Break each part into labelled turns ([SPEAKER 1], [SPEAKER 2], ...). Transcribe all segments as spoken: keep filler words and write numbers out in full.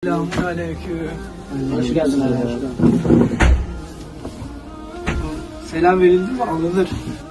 [SPEAKER 1] Selamünaleyküm.
[SPEAKER 2] Hoş geldin abi.
[SPEAKER 1] Selam verildi mi alınır.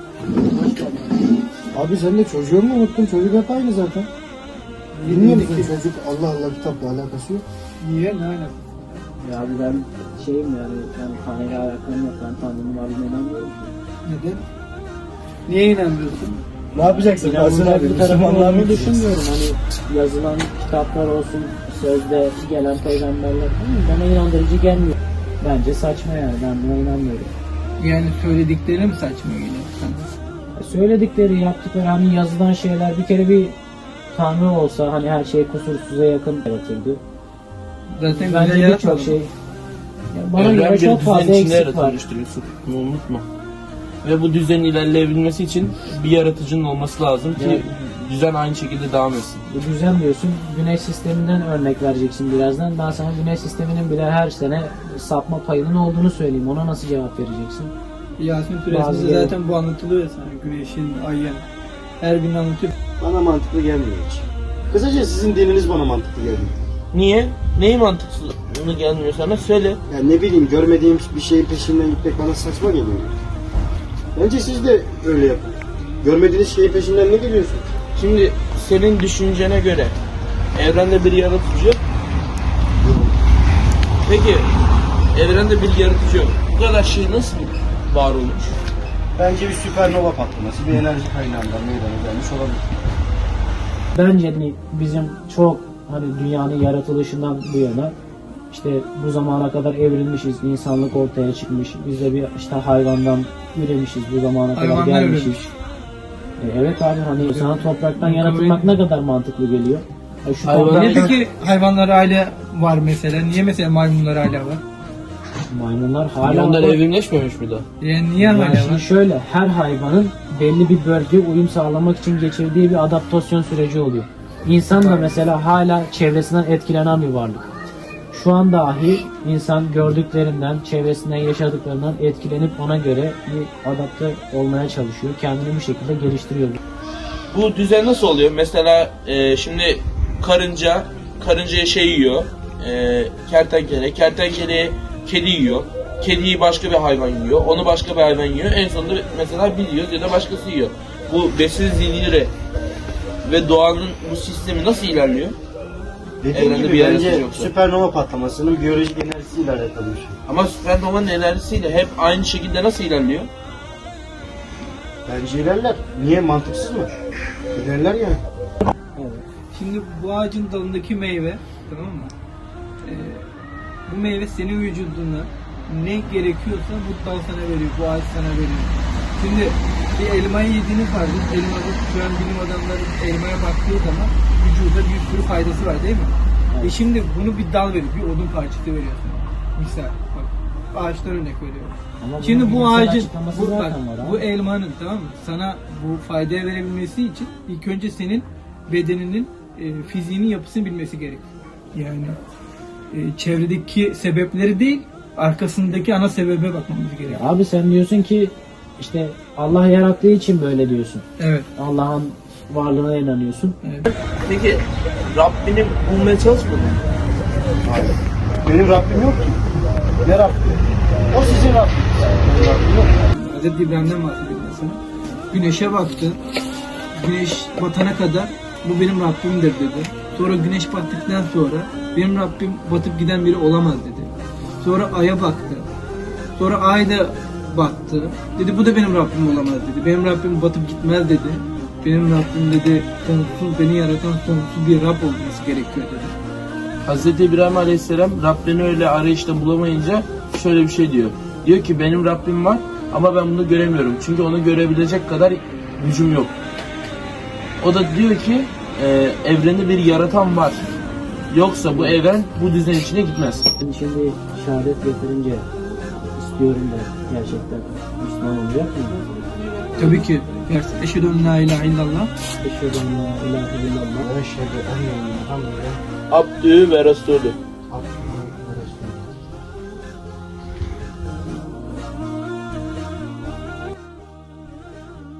[SPEAKER 3] Abi sen de çocuğu mu unuttun? Çocuk hep aynı zaten. Bilmiyor musun çocuk Allah Allah kitapla alakası yok.
[SPEAKER 1] Niye? Ne alakası?
[SPEAKER 2] Ya abi ben şeyim yani, yani Tanrı'yla alakalı yok. Ben Tanrı'nın varlığına inanmıyorum.
[SPEAKER 1] Neden? Niye inanmıyorsun?
[SPEAKER 3] Ne yapacaksın? Kalsın abi.
[SPEAKER 2] İnanılmaz bir tarafını
[SPEAKER 3] Müslümanlar mı
[SPEAKER 2] olduğunu
[SPEAKER 3] düşünmüyor?
[SPEAKER 2] düşünmüyorum. Hani yazılan kitaplar olsun, sözde gelen peygamberler falan bana inandırıcı gelmiyor. Bence saçma yani, ben buna inanmıyorum.
[SPEAKER 1] Yani söyledikleri mi saçma geliyor sana?
[SPEAKER 2] Söyledikleri, yaptıkları, hani yazılan şeyler, bir kere bir Tanrı olsa hani her şey kusursuza yakın yaratırdı.
[SPEAKER 1] Zaten güzel
[SPEAKER 2] Bence
[SPEAKER 1] yaratmadı
[SPEAKER 2] birçok
[SPEAKER 1] mı?
[SPEAKER 2] şey. Ya bana
[SPEAKER 4] Evren
[SPEAKER 2] göre
[SPEAKER 4] bir
[SPEAKER 2] çok
[SPEAKER 4] düzen
[SPEAKER 2] fazla
[SPEAKER 4] içinde
[SPEAKER 2] eksik var.
[SPEAKER 4] yaratılmıştır Yusuf. Bunu unutma. Ve bu düzenin ilerleyebilmesi için bir yaratıcının olması lazım ki
[SPEAKER 2] Evet.
[SPEAKER 4] düzen aynı şekilde devam etsin.
[SPEAKER 2] Bu düzen diyorsun, güneş sisteminden örnek vereceksin birazdan. Ben sana güneş sisteminin bile her sene sapma payının olduğunu söyleyeyim. Ona nasıl cevap vereceksin?
[SPEAKER 1] Yasin
[SPEAKER 2] Bazı
[SPEAKER 1] Suresinde
[SPEAKER 2] yere-
[SPEAKER 1] zaten bu anlatılıyor ya sana. Güneşin, ayın. Her gün anlatıyor.
[SPEAKER 3] Bana mantıklı gelmiyor hiç. Kısaca sizin dininiz bana mantıklı gelmiyor.
[SPEAKER 4] Niye? Neyi mantıksızlığı gelmiyor sana? Söyle.
[SPEAKER 3] Yani ne bileyim görmediğim bir şeyin peşinden gitmek bana saçma geliyor. Bence siz de öyle yapın. Görmediğiniz şeyin peşinden ne geliyorsun?
[SPEAKER 4] Şimdi senin düşüncene göre evrende bir yaratıcı yok. Peki evrende bir yaratıcı yok. Bu kadar şey nasıl var olmuş?
[SPEAKER 3] Bence bir süpernova patlaması, bir enerji kaynağından meydana gelmiş olabilir.
[SPEAKER 2] Bence hani bizim çok hani dünyanın yaratılışından bu yana işte bu zamana kadar evrilmişiz, insanlık ortaya çıkmış. Biz de bir işte hayvandan üremişiz, bu zamana kadar
[SPEAKER 1] Hayvanlar
[SPEAKER 2] gelmişiz.
[SPEAKER 1] üremiş.
[SPEAKER 2] E, evet abi, hani insana topraktan yaratılmak ne kadar mantıklı geliyor? E, şu
[SPEAKER 4] Hayvan-
[SPEAKER 2] toprak-
[SPEAKER 1] Niye peki hayvanlar aile var mesela? Niye mesela maymunlar hala var?
[SPEAKER 2] maymunlar hala
[SPEAKER 4] Hayvanlar
[SPEAKER 2] var.
[SPEAKER 4] evrimleşmemiş mi daha?
[SPEAKER 1] Yani niye
[SPEAKER 2] Yani
[SPEAKER 1] hala
[SPEAKER 2] şimdi
[SPEAKER 1] var?
[SPEAKER 2] şöyle, her hayvanın belli bir bölge uyum sağlamak için geçirdiği bir adaptasyon süreci oluyor. İnsan da mesela hala çevresinden etkilenen bir varlık. Şu an dahi insan gördüklerinden, çevresinden yaşadıklarından etkilenip ona göre bir adapte olmaya çalışıyor. Kendini bu şekilde geliştiriyor.
[SPEAKER 4] Bu düzen nasıl oluyor? Mesela e, şimdi karınca, karıncaya şey yiyor, e, kertenkele, kertenkele kedi yiyor, kediyi başka bir hayvan yiyor, onu başka bir hayvan yiyor, en sonunda mesela biz yiyoruz ya da başkası yiyor. Bu besin zinciri ve doğanın bu sistemi nasıl ilerliyor?
[SPEAKER 3] Dediğim
[SPEAKER 4] Evrende
[SPEAKER 3] gibi
[SPEAKER 4] bir yaratıcı
[SPEAKER 3] bence
[SPEAKER 4] yoksa.
[SPEAKER 3] süpernova patlamasının biyolojik enerjisiyle alakalı bir şey.
[SPEAKER 4] Ama süpernovanın enerjisiyle hep aynı şekilde nasıl ilerliyor?
[SPEAKER 3] Bence ilerler. Niye? Mantıksız mı? İlerler yani.
[SPEAKER 2] Evet.
[SPEAKER 1] Şimdi bu ağacın dalındaki meyve, tamam mı? Ee, bu meyve senin vücuduna ne gerekiyorsa bu dal sana veriyor, bu ağaç sana veriyor. Şimdi bir elmayı yediğini farz et. Elmada şu an bilim adamları elmaya baktığı zaman vücuda bir sürü faydası var değil mi?
[SPEAKER 2] Evet.
[SPEAKER 1] E şimdi bunu bir dal veriyor, bir odun parçası veriyor sana. Misal bak, ağaçtan örnek veriyorum.
[SPEAKER 2] Ama
[SPEAKER 1] Şimdi
[SPEAKER 2] bunun
[SPEAKER 1] bu
[SPEAKER 2] bilimsel
[SPEAKER 1] ağacın,
[SPEAKER 2] açıklaması
[SPEAKER 1] bu, bak,
[SPEAKER 2] zaten var abi.
[SPEAKER 1] bu elmanın, tamam mı? Sana bu faydaya verebilmesi için ilk önce senin bedeninin e, fiziğinin yapısını bilmesi gerekiyor. Yani e, çevredeki sebepleri değil, arkasındaki ana sebebe bakmamız gerekiyor.
[SPEAKER 2] Abi sen diyorsun ki işte Allah yarattığı için böyle diyorsun.
[SPEAKER 1] Evet.
[SPEAKER 2] Allah'ın varlığına inanıyorsun.
[SPEAKER 1] evet.
[SPEAKER 4] Peki Rabbini bulmaya çalışmadın mı?
[SPEAKER 3] Hayır. Benim Rabbim yok ki. Ne Rabbim? O sizin Rabbiniz. Benim Rabbim yok.
[SPEAKER 1] Hazreti İbrahim'den bahsediyorum mesela. Güneşe baktı. Güneş batana kadar bu benim Rabbimdir dedi. Sonra güneş battıktan sonra benim Rabbim batıp giden biri olamaz dedi. Sonra aya baktı. Sonra ay da baktı. Dedi bu da benim Rabbim olamaz dedi. Benim Rabbim batıp gitmez dedi. Benim Rabbim dedi sonsuz, beni yaratan sonsuz bir Rab olması gerekiyor dedi.
[SPEAKER 4] Hazreti İbrahim Aleyhisselam Rabbini öyle arayışta bulamayınca şöyle bir şey diyor. Diyor ki benim Rabbim var ama ben bunu göremiyorum. Çünkü onu görebilecek kadar gücüm yok. O da diyor ki e, evrende bir yaratan var. Yoksa bu evren bu düzen içine gitmez.
[SPEAKER 2] Şimdi, şimdi şehadet getirince istiyorum da gerçekten Müslüman olacak mı?
[SPEAKER 1] Tabii ki. Eşhedü en la ilahe illallah.
[SPEAKER 2] Eşhedü en la ilahe illallah.
[SPEAKER 3] Ben şeyde en yanında.
[SPEAKER 4] Abdü ve Resulü.